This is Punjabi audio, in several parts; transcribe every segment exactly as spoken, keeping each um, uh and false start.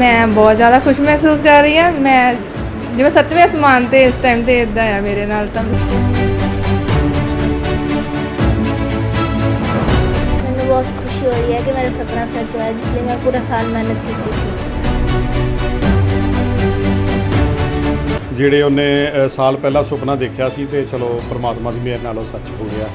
मैं बहुत ज़्यादा खुश महसूस कर रही हाँ। मैं जिवें सत्तवें आसमान ते इस टाइम ते इदां है मेरे नाल तां। मैनूं बहुत खुशी हो रही है कि मेरा सपना सच होया, जिसलिए मैं पूरा साल मेहनत की थी। ਜਿਹੜੇ ਉਹਨੇ ਸਾਲ ਪਹਿਲਾਂ ਸੁਪਨਾ ਦੇਖਿਆ ਸੀ ਤੇ ਚਲੋ ਪਰਮਾਤਮਾ ਦੀ ਮਿਹਰ ਨਾਲ ਉਹ ਸੱਚ ਹੋ ਗਿਆ।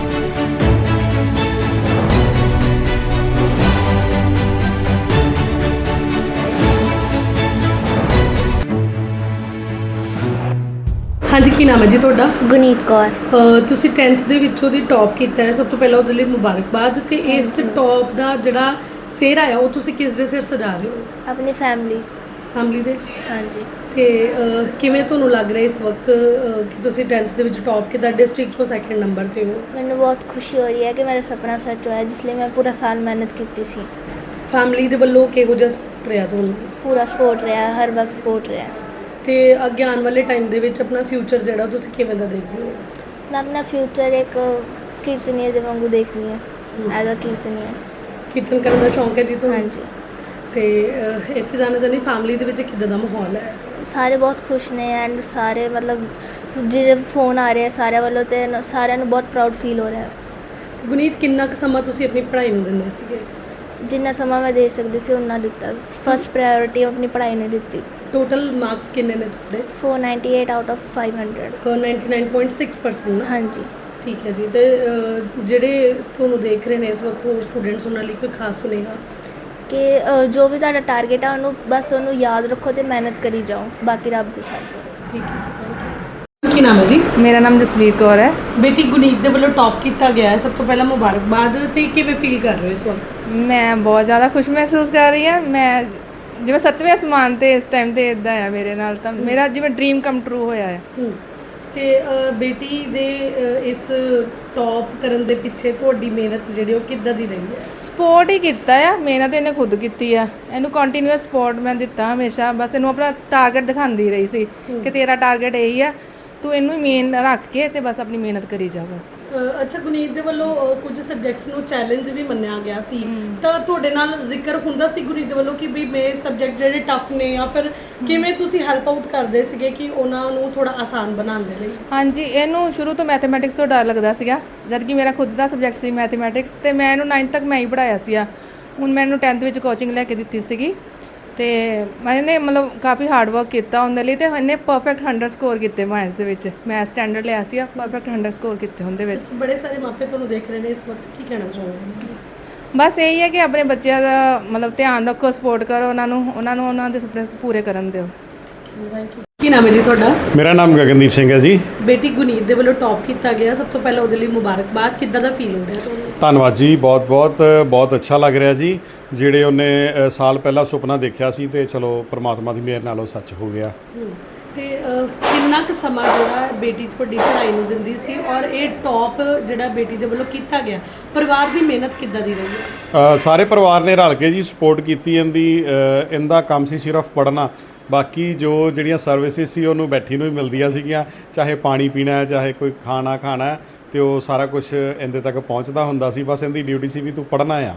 ਹਾਂਜੀ, ਕੀ ਨਾਮ ਹੈ ਜੀ ਤੁਹਾਡਾ? ਗੁਨੀਤ ਕੌਰ। ਅ, ਤੁਸੀਂ ਟੈਂਥ ਦੇ ਵਿੱਚੋਂ ਦੀ ਟੌਪ ਕੀਤਾ ਹੈ, ਸਭ ਤੋਂ ਪਹਿਲਾਂ ਉਹਦੇ ਲਈ ਮੁਬਾਰਕਬਾਦ। ਤੇ ਇਸ ਟੌਪ ਦਾ ਜਿਹੜਾ ਸਿਹਰਾ ਆ ਉਹ ਤੁਸੀਂ ਕਿਸ ਦੇ ਸਿਰ ਸਜਾ ਰਹੇ ਹੋ? ਆਪਣੀ ਫੈਮਿਲੀ ਫੈਮਿਲੀ ਦੇ। ਹਾਂਜੀ। ਤੇ ਅ, ਕਿਵੇਂ ਤੁਹਾਨੂੰ ਲੱਗ ਰਿਹਾ ਇਸ ਵਕਤ ਅ, ਕਿ ਤੁਸੀਂ ਟੈਂਥ ਦੇ ਵਿੱਚ ਟੌਪ ਕੀਤਾ, ਡਿਸਟ੍ਰਿਕਟ 'ਚੋਂ ਸੈਕਿੰਡ ਨੰਬਰ 'ਤੇ ਹੋ? ਮੈਨੂੰ ਬਹੁਤ ਖੁਸ਼ੀ ਹੋ ਰਹੀ ਹੈ ਕਿ ਮੇਰਾ ਸੁਪਨਾ ਸੱਚ ਹੋਇਆ, ਜਿਸ ਲਈ ਮੈਂ ਪੂਰਾ ਸਾਲ ਮਿਹਨਤ ਕੀਤੀ ਸੀ। ਫੈਮਿਲੀ ਦੇ ਵੱਲੋਂ ਕਿਹੋ ਜਿਹਾ ਸਪੋਰਟ ਰਿਹਾ ਤੁਹਾਨੂੰ? ਪੂਰਾ ਸਪੋਰਟ ਰਿਹਾ, ਹਰ ਵਕਤ ਸਪੋਰਟ ਰਿਹਾ। ਤੇ ਅੱਗੇ ਆਉਣ ਵਾਲੇ ਟਾਈਮ ਦੇ ਵਿੱਚ ਆਪਣਾ ਫਿਊਚਰ ਜਿਹੜਾ ਤੁਸੀਂ ਕਿਵੇਂ ਦਾ ਦੇਖਦੇ ਹੋ? ਮੈਂ ਆਪਣਾ ਫਿਊਚਰ ਇੱਕ ਕੀਰਤਨੀਏ ਦੇ ਵਾਂਗੂ ਦੇਖਦੀ ਹਾਂ, ਐਜ਼ ਅ ਕੀਰਤਨੀਆ। ਕੀਰਤਨ ਕਰਨ ਦਾ ਸ਼ੌਂਕ ਹੈ ਜੀ ਤੁਹਾਨੂੰ? ਹਾਂਜੀ। ਤੇ ਅ, ਇੱਥੇ ਜਾਣਾ ਚਾਹੁੰਦੀ, ਫੈਮਿਲੀ ਦੇ ਵਿੱਚ ਕਿੱਦਾਂ ਦਾ ਮਾਹੌਲ ਹੈ? ਸਾਰੇ ਬਹੁਤ ਖੁਸ਼ ਨੇ ਐਂਡ ਸਾਰੇ ਮਤਲਬ ਜਿਹੜੇ ਫੋਨ ਆ ਰਹੇ ਸਾਰਿਆਂ ਵੱਲੋਂ, ਤੇ ਨ- ਸਾਰਿਆਂ ਨੂੰ ਬਹੁਤ ਪ੍ਰਾਊਡ ਫੀਲ ਹੋ ਰਿਹਾ ਹੈ। ਤੇ ਗੁਨੀਤ, ਕਿੰਨਾ ਕੁ ਸਮਾਂ ਤੁਸੀਂ ਆਪਣੀ ਪੜ੍ਹਾਈ ਨੂੰ ਦਿੰਦੇ ਸੀਗੇ? ਜਿੰਨਾ ਸਮਾਂ ਮੈਂ ਦੇ ਸਕਦੀ ਸੀ ਉਨਾ ਦਿੱਤਾ। ਫਸਟ ਪ੍ਰਾਇੋਰਟੀ ਆਪਣੀ ਪੜ੍ਹਾਈ ਨੂੰ ਦਿੱਤੀ। ਟੋਟਲ ਮਾਰਕਸ ਕਿੰਨੇ ਨੇ ਤੁਹਾਡੇ? four ninety-eight out of five hundred। Ninety nine point six percent. ਹਾਂਜੀ। ਠੀਕ ਹੈ ਜੀ। ਤੇ ਅ, ਜਿਹੜੇ ਤੁਹਾਨੂੰ ਦੇਖ ਰਹੇ ਨੇ ਇਸ ਵਕਤ ਹੋਰ ਸਟੂਡੈਂਟਸ, ਉਹਨਾਂ ਲਈ ਕੋਈ ਖਾਸ ਸੁਨੇਹਾ? ਕਿ ਅ, ਜੋ ਵੀ ਤੁਹਾਡਾ ਟਾਰਗੇਟ ਆ ਉਹਨੂੰ ਬਸ ਉਹਨੂੰ ਯਾਦ ਰੱਖੋ ਤੇ ਮਿਹਨਤ ਕਰੀ ਜਾਓ, ਬਾਕੀ ਰੱਬ ਤੇ ਛੱਡ ਦਿਓ। ਠੀਕ ਹੈ ਜੀ, ਥੈਂਕ ਯੂ। ਕੀ ਨਾਮ ਹੈ ਜੀ? मेरा नाम जसवीर कौर है। ਬੇਟੀ ਗੁਨੀਤ ਦੇ ਵੱਲੋਂ ਟੌਪ ਕੀਤਾ ਗਿਆ ਹੈ, ਸਭ ਤੋਂ ਪਹਿਲਾਂ ਮੁਬਾਰਕਬਾਦ। ਤੇ ਕਿਵੇਂ ਫੀਲ ਕਰ ਰਹੇ ਹੋ ਇਸ ਵਕਤ? मैं बहुत ज़्यादा खुश महसूस कर रही हाँ। मैं जिवें सत्तवें आसमान ते इस टाइम ते इदां है मेरे नाल तां। मेरा जिवें ड्रीम कम ट्रू होया है। ਹੂੰ। ਤੇ ਅ, ਬੇਟੀ ਦੇ ਅ, ਇਸ ਟੌਪ ਕਰਨ ਦੇ ਪਿੱਛੇ ਤੁਹਾਡੀ ਮਿਹਨਤ ਜਿਹੜੀ ਉਹ ਕਿੱਦਾਂ ਦੀ ਰਹੀ ਹੈ? ਸਪੋਰਟ ਹੀ ਕੀਤਾ ਆ, ਮਿਹਨਤ ਇਹਨੇ ਖੁਦ ਕੀਤੀ ਆ। ਇਹਨੂੰ ਕੰਟੀਨਿਊਸ ਸਪੋਰਟ ਮੈਂ ਦਿੱਤਾ ਹਮੇਸ਼ਾ। ਬਸ ਇਹਨੂੰ ਆਪਣਾ ਟਾਰਗੇਟ ਦਿਖਾਉਂਦੀ ਰਹੀ ਸੀ ਕਿ ਤੇਰਾ ਟਾਰਗੇਟ ਇਹੀ ਆ, ਤੂੰ ਇਹਨੂੰ ਮੇਨ ਰੱਖ ਕੇ ਤੇ ਬਸ ਆਪਣੀ ਮਿਹਨਤ ਕਰੀ ਜਾ ਬਸ। ਅ, ਅੱਛਾ, ਗੁਨੀਤ ਦੇ ਵੱਲੋਂ ਅ, ਕੁਝ ਸਬਜੈਕਟਸ ਨੂੰ ਚੈਲੰਜ ਵੀ ਮੰਨਿਆ ਗਿਆ ਸੀ, ਤਾਂ ਤੁਹਾਡੇ ਨਾਲ ਜ਼ਿਕਰ ਹੁੰਦਾ ਸੀ ਗੁਨੀਤ ਦੇ ਵੱਲੋਂ ਕਿ ਵੀ ਮੇਰੇ ਸਬਜੈਕਟ ਜਿਹੜੇ ਟਫ ਨੇ, ਜਾਂ ਫਿਰ ਕਿਵੇਂ ਤੁਸੀਂ ਹੈਲਪ ਆਊਟ ਕਰਦੇ ਸੀਗੇ ਕਿ ਉਹਨਾਂ ਨੂੰ ਥੋੜਾ ਆਸਾਨ ਬਣਾਉਣ ਦੇ ਲਈ? ਹਾਂਜੀ, ਇਹਨੂੰ ਸ਼ੁਰੂ ਤੋਂ ਮੈਥਮੈਟਿਕਸ ਤੋਂ ਡਰ ਲੱਗਦਾ ਸੀਗਾ, ਜਦ ਕਿ ਮੇਰਾ ਖੁਦ ਦਾ ਸਬਜੈਕਟ ਸੀ ਮੈਥਮੈਟਿਕਸ, ਤੇ ਮੈਂ ਇਹਨੂੰ ਨਾਈਨਥ ਤੱਕ ਮੈਂ ਹੀ ਪੜ੍ਹਾਇਆ ਸੀਗਾ। ਹੁਣ ਮੈਂ ਇਹਨੂੰ ਟੈਂਥ ਵਿੱਚ ਕੋਚਿੰਗ ਲੈ ਕੇ ਦਿੱਤੀ ਸੀਗੀ, ਤੇ ਮੈਨੇ ਮਤਲਬ ਕਾਫੀ ਹਾਰਡ ਵਰਕ ਕੀਤਾ ਉਹਦੇ ਲਈ, ਤੇ ਇਹਨੇ ਪਰਫੈਕਟ ਹੰਡਰਡ ਸਕੋਰ ਕੀਤੇ ਮੈਥਸ ਦੇ ਵਿੱਚ। ਮੈਂ ਸਟੈਂਡਰਡ ਲਿਆ ਸੀ, ਪਰਫੈਕਟ ਹੰਡਰਡ ਸਕੋਰ ਕੀਤੇ ਉਹਦੇ ਵਿੱਚ। ਬੜੇ ਸਾਰੇ ਮਾਪੇ ਤੁਹਾਨੂੰ ਦੇਖ ਰਹੇ ਨੇ ਇਸ ਵਕਤ, ਕੀ ਕਹਿਣਾ ਚਾਹੋਗੇ? ਬਸ ਇਹੀ ਹੈ ਕਿ ਆਪਣੇ ਬੱਚਿਆਂ ਦਾ ਮਤਲਬ ਧਿਆਨ ਰੱਖੋ, ਸਪੋਰਟ ਕਰੋ ਉਹਨਾਂ ਨੂੰ, ਉਹਨਾਂ ਨੂੰ ਉਹਨਾਂ ਦੇ ਸੁਪਨੇ ਪੂਰੇ ਕਰਨ ਦਿਓ। Thank you. ਕੀ ਨਾਮ ਹੈ ਜੀ ਤੁਹਾਡਾ? ਮੇਰਾ ਨਾਮ ਗਗਨਦੀਪ ਸਿੰਘ ਹੈ ਜੀ। ਬੇਟੀ ਗੁਨੀਤ ਦੇ ਵੱਲੋਂ ਟੌਪ ਕੀਤਾ ਗਿਆ, ਸਭ ਤੋਂ ਪਹਿਲਾਂ ਉਹਦੇ ਲਈ ਮੁਬਾਰਕਬਾਦ। ਕਿੱਦਾਂ ਦਾ ਫੀਲ ਹੋ ਰਿਹਾ ਤੁਹਾਨੂੰ? ਧੰਨਵਾਦ ਜੀ, ਬਹੁਤ ਬਹੁਤ ਬਹੁਤ ਅੱਛਾ ਲੱਗ ਰਿਹਾ ਜੀ। ਜਿਹੜੇ ਉਹਨੇ ਅ, ਸਾਲ ਪਹਿਲਾਂ ਸੁਪਨਾ ਦੇਖਿਆ ਸੀ ਤੇ ਚਲੋ ਪਰਮਾਤਮਾ ਦੀ ਮਿਹਰ ਨਾਲ ਉਹ ਸੱਚ ਹੋ ਗਿਆ। ਹੂੰ। ਤੇ ਅ, ਕਿੰਨਾ ਕੁ ਸਮਾਂ ਜਿਹੜਾ ਬੇਟੀ ਤੁਹਾਡੀ ਪੜ੍ਹਾਈ ਨੂੰ ਦਿੰਦੀ ਸੀ, ਔਰ ਇਹ ਟੌਪ ਜਿਹੜਾ ਬੇਟੀ ਦੇ ਵੱਲੋਂ ਕੀਤਾ ਗਿਆ, ਪਰਿਵਾਰ ਦੀ ਮਿਹਨਤ ਕਿੱਦਾਂ ਦੀ ਰਹੀ ਹੈ? ਅ, ਸਾਰੇ ਪਰਿਵਾਰ ਨੇ ਰਲ ਕੇ ਜੀ ਸਪੋਰਟ ਕੀਤੀ ਇਹਦੀ। ਅ, ਇਹਦਾ ਕੰਮ ਸੀ ਸਿਰਫ ਪੜ੍ਹਨਾ, ਬਾਕੀ ਜੋ ਜਿਹੜੀਆਂ ਸਰਵਿਸਿਜ਼ ਸੀ ਉਹਨੂੰ ਬੈਠੀ ਨੂੰ ਹੀ ਮਿਲਦੀਆਂ ਸੀਗੀਆਂ, ਚਾਹੇ ਪਾਣੀ ਪੀਣਾ ਹੈ, ਚਾਹੇ ਕੋਈ ਖਾਣਾ ਖਾਣਾ ਹੈ, ਤੇ ਉਹ ਸਾਰਾ ਕੁਝ ਇਹਦੇ ਤੱਕ ਪਹੁੰਚਦਾ ਹੁੰਦਾ ਸੀ। ਬਸ ਇਹਦੀ ਡਿਊਟੀ ਸੀ ਵੀ ਤੂੰ ਪੜ੍ਹਨਾ ਆ।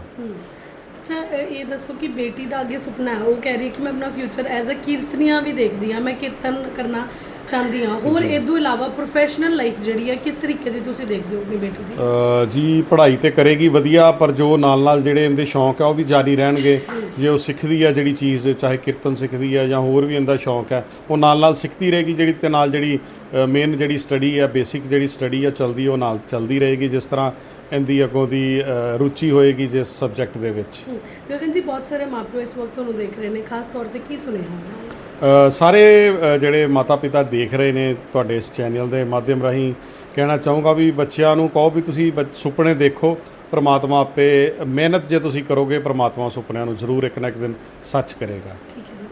ਅੱਛਾ, ਅ, ਇਹ ਦੱਸੋ ਕਿ ਬੇਟੀ ਦਾ ਅੱਗੇ ਸੁਪਨਾ ਹੈ, ਉਹ ਕਹਿ ਰਹੀ ਹੈ ਕਿ ਮੈਂ ਆਪਣਾ ਫਿਊਚਰ ਐਜ਼ ਅ ਕੀਰਤਨੀਆ ਵੀ ਦੇਖਦੀ ਹਾਂ, ਮੈਂ ਕੀਰਤਨ ਕਰਨਾ ਚਾਹੁੰਦੀ ਹਾਂ। ਹੋਰ ਇਹ ਤੋਂ ਇਲਾਵਾ ਪ੍ਰੋਫੈਸ਼ਨਲ ਲਾਈਫ ਜਿਹੜੀ ਹੈ ਕਿਸ ਤਰੀਕੇ ਦੀ ਤੁਸੀਂ ਦੇਖਦੇ ਹੋ ਆਪਣੀ ਬੇਟੀ ਦੀ? ਅ, ਜੀ ਪੜ੍ਹਾਈ ਤੇ ਕਰੇਗੀ ਵਧੀਆ, ਪਰ ਜੋ ਨਾਲ ਨਾਲ ਜਿਹੜੇ ਇਹਦੇ ਸ਼ੌਂਕ ਆ ਉਹ ਵੀ ਜਾਰੀ ਰਹਿਣਗੇ। ਜੇ ਉਹ ਸਿੱਖਦੀ ਆ ਜਿਹੜੀ ਚੀਜ਼, ਚਾਹੇ ਕੀਰਤਨ ਸਿੱਖਦੀ ਆ ਜਾਂ ਹੋਰ ਵੀ ਇਹਦਾ ਸ਼ੌਂਕ ਹੈ, ਉਹ ਨਾਲ ਨਾਲ ਸਿੱਖਦੀ ਰਹੇਗੀ। ਜਿਹੜੀ ਤੇ ਨਾਲ ਜਿਹੜੀ ਮੇਨ ਜਿਹੜੀ ਸਟੱਡੀ ਆ, ਬੇਸਿਕ ਜਿਹੜੀ ਸਟੱਡੀ ਆ ਚੱਲਦੀ, ਉਹ ਨਾਲ ਚੱਲਦੀ ਰਹੇਗੀ, ਜਿਸ ਤਰ੍ਹਾਂ ਇਹਦੀ ਅੱਗੋਂ ਦੀ ਅ, ਰੁਚੀ ਹੋਏਗੀ ਜਿਸ ਸਬਜੈਕਟ ਦੇ ਵਿੱਚ। ਗਗਨ ਜੀ, ਬਹੁਤ ਸਾਰੇ ਮਾਪਿਓ ਇਸ ਵਕਤ ਤੁਹਾਨੂੰ ਦੇਖ ਰਹੇ ਨੇ, ਖਾਸ ਤੌਰ ਤੇ ਕੀ ਸੁਨੇਹਾ? ਅ, ਸਾਰੇ ਅ, ਜਿਹੜੇ ਮਾਤਾ ਪਿਤਾ ਦੇਖ ਰਹੇ ਨੇ ਤੁਹਾਡੇ ਇਸ ਚੈਨਲ ਦੇ ਮਾਧਿਅਮ ਰਾਹੀਂ, ਕਹਿਣਾ ਚਾਹੂੰਗਾ ਵੀ ਬੱਚਿਆਂ ਨੂੰ ਕਹੋ ਵੀ ਤੁਸੀਂ ਬੱਚ- ਸੁਪਨੇ ਦੇਖੋ, ਪਰਮਾਤਮਾ ਆਪੇ ਮਿਹਨਤ ਜੇ ਤੁਸੀਂ ਕਰੋਗੇ, ਪਰਮਾਤਮਾ ਸੁਪਨਿਆਂ ਨੂੰ ਜ਼ਰੂਰ ਇੱਕ ਨਾ ਇੱਕ ਦਿਨ ਸੱਚ ਕਰੇਗਾ। ਠੀਕ ਹੈ।